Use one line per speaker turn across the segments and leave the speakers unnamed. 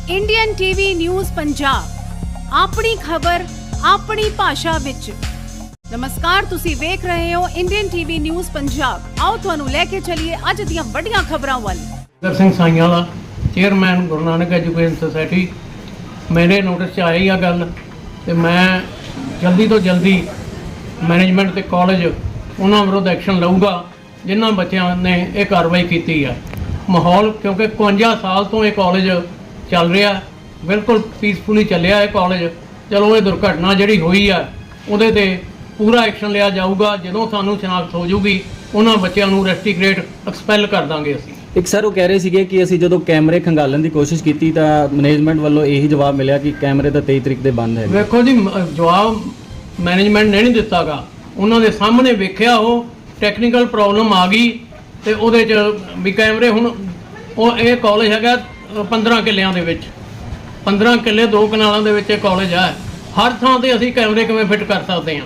Indian TV news Punjab ਆਪਣੀ ਖਬਰ ਆਪਣੀ ਭਾਸ਼ਾ ਵਿੱਚ। ਨਮਸਕਾਰ, ਤੁਸੀਂ ਵੇਖ ਰਹੇ ਹੋ ਇੰਡੀਅਨ ਟੀਵੀ ਨਿਊਜ਼ ਪੰਜਾਬ। ਆਓ ਤੁਹਾਨੂੰ ਲੈ ਕੇ ਚੱਲੀਏ ਅੱਜ ਦੀਆਂ ਵੱਡੀਆਂ ਖਬਰਾਂ ਵੱਲ।
Nagar Singh Saiyanwala chairman Guru Nanak education society, ਮੇਰੇ ਨੋਟਿਸ 'ਚ ਆਈ ਆ ਗੱਲ ਤੇ ਮੈਂ ਜਲਦੀ ਤੋਂ ਜਲਦੀ ਮੈਨੇਜਮੈਂਟ ਤੇ ਕਾਲਜ ਉਹਨਾਂ ਵਿਰੁੱਧ ਐਕਸ਼ਨ ਲਊਗਾ ਜਿਨ੍ਹਾਂ ਬੱਚਿਆਂ ਨੇ ਇਹ ਕਾਰਵਾਈ ਕੀਤੀ ਆ। ਮਾਹੌਲ ਕਿਉਂਕਿ 51 ਸਾਲ ਤੋਂ ਇਹ ਕਾਲਜ ਚੱਲ ਰਿਹਾ, ਬਿਲਕੁਲ ਪੀਸਫੁਲੀ ਚੱਲਿਆ ਇਹ ਕਾਲਜ। ਚਲੋ ਇਹ ਦੁਰਘਟਨਾ ਜਿਹੜੀ ਹੋਈ ਆ ਉਹਦੇ ਤੇ ਪੂਰਾ ਐਕਸ਼ਨ ਲਿਆ ਜਾਊਗਾ। ਜਦੋਂ ਸਾਨੂੰ ਸ਼ਨਾਖਤ ਹੋ ਜਾਊਗੀ ਉਹਨਾਂ ਬੱਚਿਆਂ ਨੂੰ ਰੈਸਟੀਗ੍ਰੇਟ ਐਕਸਪੈਲ ਕਰ ਦਾਂਗੇ ਅਸੀਂ।
ਇੱਕ ਸਰ ਉਹ ਕਹਿ ਰਹੇ ਸੀਗੇ ਕਿ ਅਸੀਂ ਜਦੋਂ ਕੈਮਰੇ ਖੰਗਾਲਣ ਦੀ ਕੋਸ਼ਿਸ਼ ਕੀਤੀ ਤਾਂ ਮੈਨੇਜਮੈਂਟ ਵੱਲੋਂ ਇਹੀ ਜਵਾਬ ਮਿਲਿਆ ਕਿ ਕੈਮਰੇ ਤਾਂ 23 ਤਰੀਕ ਦੇ ਬੰਦ ਹੈ।
ਵੇਖੋ ਜੀ, ਜਵਾਬ ਮੈਨੇਜਮੈਂਟ ਨੇ ਨਹੀਂ ਦਿੱਤਾਗਾ, ਉਹਨਾਂ ਦੇ ਸਾਹਮਣੇ ਵੇਖਿਆ ਉਹ ਟੈਕਨੀਕਲ ਪ੍ਰੋਬਲਮ ਆ ਗਈ ਤੇ ਉਹਦੇ 'ਚ ਵੀ ਕੈਮਰੇ ਹੁਣ ਉਹ ਇਹ ਕਾਲਜ ਹੈਗਾ 15 ਕਿੱਲਿਆਂ ਦੇ ਵਿੱਚ, 15 ਕਿੱਲੇ 2 ਕਨਾਲਾਂ ਦੇ ਵਿੱਚ ਇਹ ਕਾਲਜ ਹੈ। ਹਰ ਥਾਂ ਤੇ ਅਸੀਂ ਕੈਮਰੇ ਕਿਵੇਂ ਫਿੱਟ ਕਰ ਸਕਦੇ ਹਾਂ?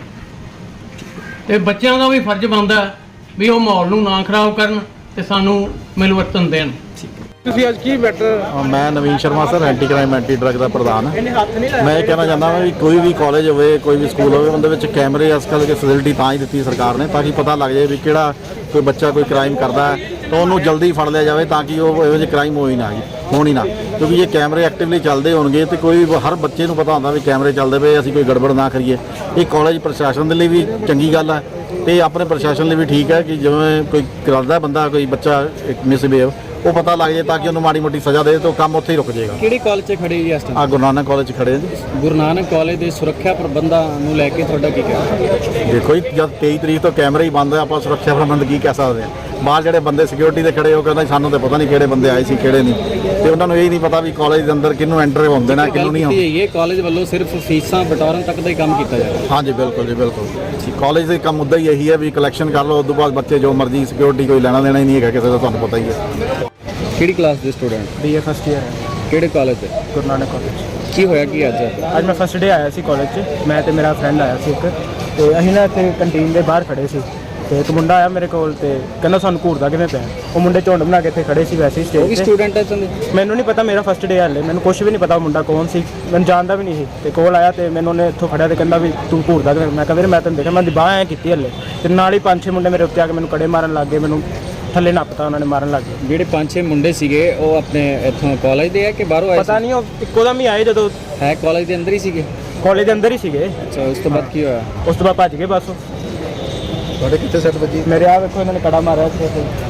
ਤੇ ਬੱਚਿਆਂ ਦਾ ਵੀ ਫਰਜ਼ ਬਣਦਾ ਵੀ ਉਹ ਮਾਹੌਲ ਨੂੰ ਨਾ ਖਰਾਬ ਕਰਨ ਤੇ ਸਾਨੂੰ ਮਿਲਵਰਤਨ ਦੇਣ।
ਤੁਸੀਂ ਅੱਜ ਕੀ ਬੈਟਰ?
ਮੈਂ Naveen Sharma sir, anti crime anti drug ਦਾ ਪ੍ਰਧਾਨ। ਮੈਂ ਇਹ ਕਹਿਣਾ ਚਾਹੁੰਦਾ ਹਾਂ ਵੀ ਕੋਈ ਵੀ ਕਾਲਜ ਹੋਵੇ, ਕੋਈ ਵੀ ਸਕੂਲ ਹੋਵੇ, ਉਹਦੇ ਵਿੱਚ ਕੈਮਰੇ ਅੱਜ ਕੱਲ੍ਹ ਦੀ ਫੈਸਿਲਿਟੀ ਤਾਂ ਹੀ ਦਿੱਤੀ ਸਰਕਾਰ ਨੇ ਤਾਂ ਕਿ ਪਤਾ ਲੱਗ ਜਾਏ ਵੀ ਕਿਹੜਾ ਕੋਈ ਬੱਚਾ ਕੋਈ ਕ੍ਰਾਈਮ ਕਰਦਾ ਹੈ ਤਾਂ ਉਹਨੂੰ ਜਲਦੀ ਫੜ ਲਿਆ ਜਾਵੇ ਤਾਂ ਕਿ ਉਹ ਇਹੋ ਜਿਹੇ ਕ੍ਰਾਈਮ ਹੋਣ ਹੀ ਨਾ। ਕਿਉਂਕਿ ਜੇ ਕੈਮਰੇ ਐਕਟਿਵਲੀ ਚੱਲਦੇ ਹੋਣਗੇ ਤੇ ਕੋਈ ਹਰ ਬੱਚੇ ਨੂੰ ਪਤਾ ਹੁੰਦਾ ਵੀ ਕੈਮਰੇ ਚੱਲਦੇ ਪਏ, ਅਸੀਂ ਕੋਈ ਗੜਬੜ ਨਾ ਕਰੀਏ। ਇਹ ਕਾਲਜ ਪ੍ਰਸ਼ਾਸਨ ਦੇ ਲਈ ਵੀ ਚੰਗੀ ਗੱਲ ਹੈ ਤੇ ਆਪਣੇ ਪ੍ਰਸ਼ਾਸਨ ਲਈ ਵੀ ਠੀਕ ਹੈ ਕਿ ਜਿਵੇਂ ਕੋਈ ਕਰਦਾ ਬੰਦਾ ਕੋਈ ਬੱਚਾ ਮਿਸਬਿਹੇਵ ਉਹ ਪਤਾ ਲੱਗ ਜਾਏ ਤਾਂ ਕਿ ਉਹਨੂੰ ਮਾੜੀ ਮੋਟੀ ਸਜ਼ਾ ਦੇ ਤਾਂ ਕੰਮ ਉੱਥੇ ਹੀ ਰੁਕ ਜਾਏਗਾ।
ਕਿਹੜੀ ਕਾਲਜ 'ਚ ਖੜੇ ਜੀ ਇਸ ਟਾਈਮ?
ਗੁਰੂ ਨਾਨਕ ਕਾਲਜ 'ਚ ਖੜੇ ਹਾਂ ਜੀ।
ਗੁਰੂ ਨਾਨਕ ਕਾਲਜ ਦੇ ਸੁਰੱਖਿਆ ਪ੍ਰਬੰਧਾਂ ਨੂੰ ਲੈ ਕੇ ਤੁਹਾਡਾ ਕੀ ਕਹਿਣਾ?
ਦੇਖੋ ਜੀ, ਜਦ 23 ਤਰੀਕ ਤੋਂ ਕੈਮਰੇ ਹੀ ਬੰਦ ਹੈ, ਆਪਾਂ ਸੁਰੱਖਿਆ ਪ੍ਰਬੰਧ ਕੀ ਕਹਿ ਸਕਦੇ ਹਾਂ? ਬਾਹਰ ਜਿਹੜੇ ਬੰਦੇ ਸਿਕਿਉਰਿਟੀ ਦੇ ਖੜੇ ਉਹ ਕਹਿੰਦਾ ਸਾਨੂੰ ਤਾਂ ਪਤਾ ਨਹੀਂ ਕਿਹੜੇ ਬੰਦੇ ਆਏ ਸੀ ਕਿਹੜੇ ਨਹੀਂ, ਤੇ ਉਹਨਾਂ ਨੂੰ ਇਹ ਨਹੀਂ ਪਤਾ ਵੀ ਕਾਲਜ ਦੇ ਅੰਦਰ ਕਿਹਨੂੰ ਐਂਟਰ ਹੋਣ ਦੇਣਾ ਕਿਹਨੂੰ ਨਹੀਂ।
ਇਹ ਕਾਲਜ ਵੱਲੋਂ ਸਿਰਫ ਫੀਸਾਂ ਬਟੋਰਨ ਤੱਕ ਦਾ ਹੀ ਕੰਮ ਕੀਤਾ ਜਾਏਗਾ?
ਹਾਂਜੀ ਬਿਲਕੁਲ ਜੀ, ਬਿਲਕੁਲ। ਕਾਲਜ ਦੇ ਕੰਮ ਉੱਦਾਂ ਹੀ ਇਹੀ ਹੈ ਵੀ ਕਲੈਕਸ਼ਨ ਕਰ ਲਓ, ਉਸ ਤੋਂ ਬਾਅਦ ਬੱਚੇ ਜੋ ਮਰਜ਼ੀ, ਸਿਕਿਉਰਿਟੀ ਕੋਈ ਲੈਣਾ ਦੇਣਾ ਹੀ ਨਹੀਂ ਹੈਗਾ ਕਿਸੇ ਦਾ, ਤੁਹਾਨੂੰ ਪਤਾ ਹੀ ਹੈ।
ਕਿਹੜੀ ਕਲਾਸ ਦੇ ਸਟੂਡੈਂਟ?
BA ਫਸਟ ਈਅਰ ਹੈ,
ਕਿਹੜੇ ਕਾਲਜ ਦੇ?
ਗੁਰੂ ਨਾਨਕ ਕਾਲਜ।
ਕੀ ਹੋਇਆ ਕੀ ਅੱਜ?
ਅੱਜ ਮੈਂ ਫਸਟ ਡੇ ਆਇਆ ਸੀ ਕਾਲਜ 'ਚ, ਮੈਂ ਤੇ ਮੇਰਾ ਫਰੈਂਡ ਆਇਆ ਸੀ ਇੱਕ, ਤੇ ਅਸੀਂ ਨਾ ਇੱਥੇ ਕੰਟੀਨ ਦੇ ਬਾਹਰ ਖੜੇ ਸੀ ਤੇ ਇੱਕ ਮੁੰਡਾ ਆਇਆ ਮੇਰੇ ਕੋਲ ਤੇ ਕਹਿੰਦਾ ਸਾਨੂੰ ਘੂਰਦਾ ਕਿਵੇਂ ਪਿਆ। ਉਹ ਮੁੰਡੇ ਝੁੰਡ ਬਣਾ ਕੇ ਇੱਥੇ ਖੜੇ ਸੀ ਵੈਸੇ ਹੀ ਸਟੇਜ ਤੇ।
ਸਟੂਡੈਂਟ ਹੈ ਤੁਹਾਨੂੰ?
ਮੈਨੂੰ ਨਹੀਂ ਪਤਾ, ਮੇਰਾ ਫਸਟ ਡੇ ਹਾਲੇ, ਮੈਨੂੰ ਕੁਝ ਵੀ ਨਹੀਂ ਪਤਾ ਉਹ ਮੁੰਡਾ ਕੌਣ ਸੀ, ਮੈਨੂੰ ਜਾਣਦਾ ਵੀ ਨਹੀਂ ਸੀ। ਤੇ ਕੋਲ ਆਇਆ ਤੇ ਮੈਨੂੰ ਉਹਨੇ ਇੱਥੋਂ ਫੜਿਆ ਤੇ ਕਹਿੰਦਾ ਵੀ ਤੂੰ ਘੂਰਦਾ ਕਿਵੇਂ। ਮੈਂ ਕਿਹਾ ਵੀਰੇ ਮੈਂ ਤੈਨੂੰ ਦੇਖਿਆ, ਮੈਂ ਦੀ ਬਾਂਹ ਐਂ ਕੀਤੀ ਹਲੇ, ਤੇ ਨਾਲ ਹੀ 5-6 ਮੁੰਡੇ ਮੇਰੇ ਉੱਤੇ ਆ ਕੇ ਮੈਨੂੰ ਕੜੇ ਮਾਰਨ ਲੱਗ ਗਏ, ਮੈਨੂੰ ਥੱਲੇ ਨੱਪਤਾ ਉਹਨਾਂ ਨੇ, ਮਾਰਨ ਲੱਗ ਗਏ।
ਜਿਹੜੇ 5-6 ਮੁੰਡੇ ਸੀਗੇ ਉਹ ਆਪਣੇ ਇੱਥੋਂ ਕਾਲਜ ਦੇ ਆ ਕਿ ਬਾਹਰੋਂ ਆਏ?
ਪਤਾ ਨਹੀਂ, ਉਹ ਇੱਕੋ ਦਮ ਹੀ ਆਏ ਜਦੋਂ।
ਹੈ ਕਾਲਜ ਦੇ ਅੰਦਰ ਹੀ ਸੀਗੇ?
ਕਾਲਜ ਦੇ ਅੰਦਰ ਹੀ ਸੀਗੇ।
ਅੱਛਾ, ਉਸ ਤੋਂ ਬਾਅਦ ਕੀ ਹੋਇਆ?
ਉਸ ਤੋਂ ਬਾਅਦ ਭੱਜ ਗਏ ਬਸ।
ਤੁਹਾਡੇ ਕਿੱਥੇ ਸੱਟ ਵੱਜੀ?
ਮੇਰੇ ਆ ਵੇਖੋ ਇਹਨਾਂ ਨੇ ਕੜਾ ਮਾਰਿਆ ਇੱਥੇ।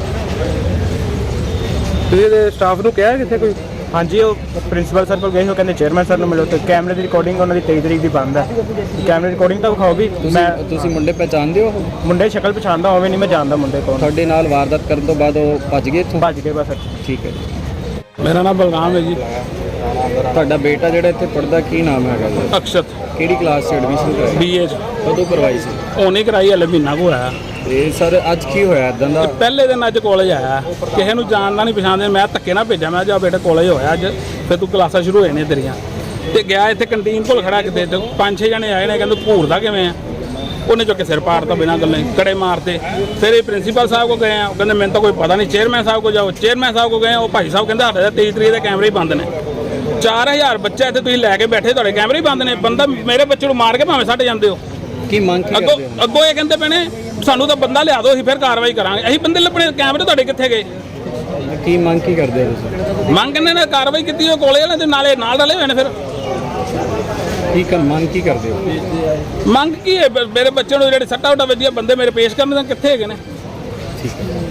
ਤੁਸੀਂ ਇਹਦੇ ਸਟਾਫ ਨੂੰ ਕਿਹਾ ਕਿੱਥੇ ਕੋਈ? ਹਾਂਜੀ, ਉਹ ਪ੍ਰਿੰਸੀਪਲ ਸਰ ਕੋਲ ਗਏ, ਉਹ ਕਹਿੰਦੇ ਚੇਅਰਮੈਨ ਸਰ ਨੂੰ ਮਿਲੋ ਤੇ ਕੈਮਰੇ ਦੀ ਰਿਕਾਰਡਿੰਗ ਉਹਨਾਂ ਦੀ 23 ਤਰੀਕ ਦੀ ਬੰਦ ਹੈ। ਕੈਮਰੇ ਦੀ ਰਿਕਾਰਡਿੰਗ ਤਾਂ ਵਿਖਾਓਗੀ।
ਤੁਸੀਂ ਮੁੰਡੇ ਪਹਿਚਾਣਦੇ ਹੋ?
ਮੁੰਡੇ ਸ਼ਕਲ ਪਛਾਣਦਾ ਹੋਵੇ ਨਹੀਂ, ਮੈਂ ਜਾਣਦਾ ਮੁੰਡੇ ਕੋਲ।
ਤੁਹਾਡੇ ਨਾਲ ਵਾਰਦਾਤ ਕਰਨ ਤੋਂ ਬਾਅਦ ਉਹ ਭੱਜ ਗਏ ਇੱਥੋਂ?
ਭੱਜ ਗਏ ਬਸ।
ਠੀਕ ਹੈ ਜੀ।
ਮੇਰਾ ਨਾਮ ਬਲਰਾਮ ਹੈ ਜੀ।
ਤੁਹਾਡਾ ਬੇਟਾ ਜਿਹੜਾ ਇੱਥੇ ਪੜ੍ਹਦਾ ਕੀ ਨਾਮ ਹੈਗਾ ਜੀ?
ਅਕਸ਼ਤ।
ਕਿਹੜੀ ਕਲਾਸ 'ਚ ਐਡਮਿਸ਼ਨ ਕਰਾਈ?
BA 'ਚ।
ਕਦੋਂ ਕਰਵਾਈ ਸੀ?
ਉਹਨੇ ਕਰਾਈ, ਹਲੇ ਮਹੀਨਾ ਕੁ ਹੋਇਆ।
ਤੇ ਸਰ ਅੱਜ ਕੀ ਹੋਇਆ ਇਦਾਂ ਦਾ?
ਪਹਿਲੇ ਦਿਨ ਅੱਜ ਕਾਲਜ ਆਇਆ, ਕਿਸੇ ਨੂੰ ਜਾਣਦਾ ਨਹੀਂ ਪਛਾਣਦੇ, ਮੈਂ ਧੱਕੇ ਨਾਲ ਭੇਜਿਆ, ਮੈਂ ਜਾ ਬੇਟਾ ਕਾਲਜ ਹੋਇਆ ਅੱਜ, ਫਿਰ ਤੂੰ ਕਲਾਸਾਂ ਸ਼ੁਰੂ ਹੋਏ ਨੇ ਤੇਰੀਆਂ। ਤੇ ਗਿਆ ਇੱਥੇ ਕੰਟੀਨ ਕੋਲ ਖੜਾ ਕਿਤੇ, 5-6 ਜਣੇ ਆਏ ਨੇ, ਕਹਿੰਦੇ ਘੂਰਦਾ ਕਿਵੇਂ ਆ। ਉਹਨੇ ਚੁੱਕ ਕੇ ਸਿਰ ਪਾੜਤਾ ਬਿਨਾਂ ਗੱਲੇ, ਕੜੇ ਮਾਰਤੇ। ਫਿਰ ਇਹ ਪ੍ਰਿੰਸੀਪਲ ਸਾਹਿਬ ਕੋ ਗਏ ਆ, ਉਹ ਕਹਿੰਦੇ ਮੈਨੂੰ ਤਾਂ ਕੋਈ ਪਤਾ ਨਹੀਂ। ਚੇਅਰਮੈਨ ਸਾਹਿਬ ਕੋ ਜਾਓ, ਚੇਅਰਮੈਨ ਸਾਹਿਬ ਕੋ ਗਏ, ਉਹ ਭਾਈ ਸਾਹਿਬ ਕਹਿੰਦੇ ਸਾਡੇ 23 ਤਰੀਕ ਦੇ ਕੈਮਰੇ ਹੀ ਬੰਦ ਨੇ। 4000 ਬੱਚਾ ਇੱਥੇ ਤੁਸੀਂ ਲੈ ਕੇ ਬੈਠੇ, ਤੁਹਾਡੇ ਕੈਮਰੇ ਹੀ ਬੰਦ ਨੇ। ਬੰਦਾ ਮੇਰੇ ਬੱਚੇ ਨੂੰ ਮਾਰ ਕੇ ਭਾਵੇਂ ਸੱਟ ਜਾਂਦੇ ਹੋ।
ਕੀ ਮੰਗ ਕੀ ਕਰਦੇ ਹੋ?
ਅੱਗੋਂ ਇਹ ਕਹਿੰਦੇ ਪੈਣੇ ਸਾਨੂੰ ਤਾਂ ਬੰਦਾ ਲਿਆ ਦਿਓ, ਅਸੀਂ ਫਿਰ ਕਾਰਵਾਈ ਕਰਾਂਗੇ। ਅਸੀਂ ਬੰਦੇ ਲੱਭਣੇ, ਕੈਮਰੇ ਤੁਹਾਡੇ ਕਿੱਥੇ ਗਏ?
ਕੀ ਮੰਗ ਕੀ ਕਰਦੇ ਹੋ ਤੁਸੀਂ?
ਮੰਗ ਕਹਿੰਦੇ ਨੇ ਕਾਰਵਾਈ ਕੀਤੀ ਉਹ ਕੋਲੇ ਵਾਲੇ ਤੇ ਨਾਲੇ ਨਾਲ ਡਲੇ ਹੋਏ ਨੇ। ਫਿਰ
ਮੰਗ ਕੀ ਕਰਦੇ ਹੋ?
ਮੰਗ ਕੀ ਹੈ? ਮੇਰੇ ਬੱਚੇ ਨੂੰ ਜਿਹੜੇ ਸੱਟਾਂ ਵੱਜੀਆਂ ਬੰਦੇ ਮੇਰੇ ਪੇਸ਼ ਕਰਨ ਕਿੱਥੇ ਹੈਗੇ ਨੇ?
ਠੀਕ ਹੈ।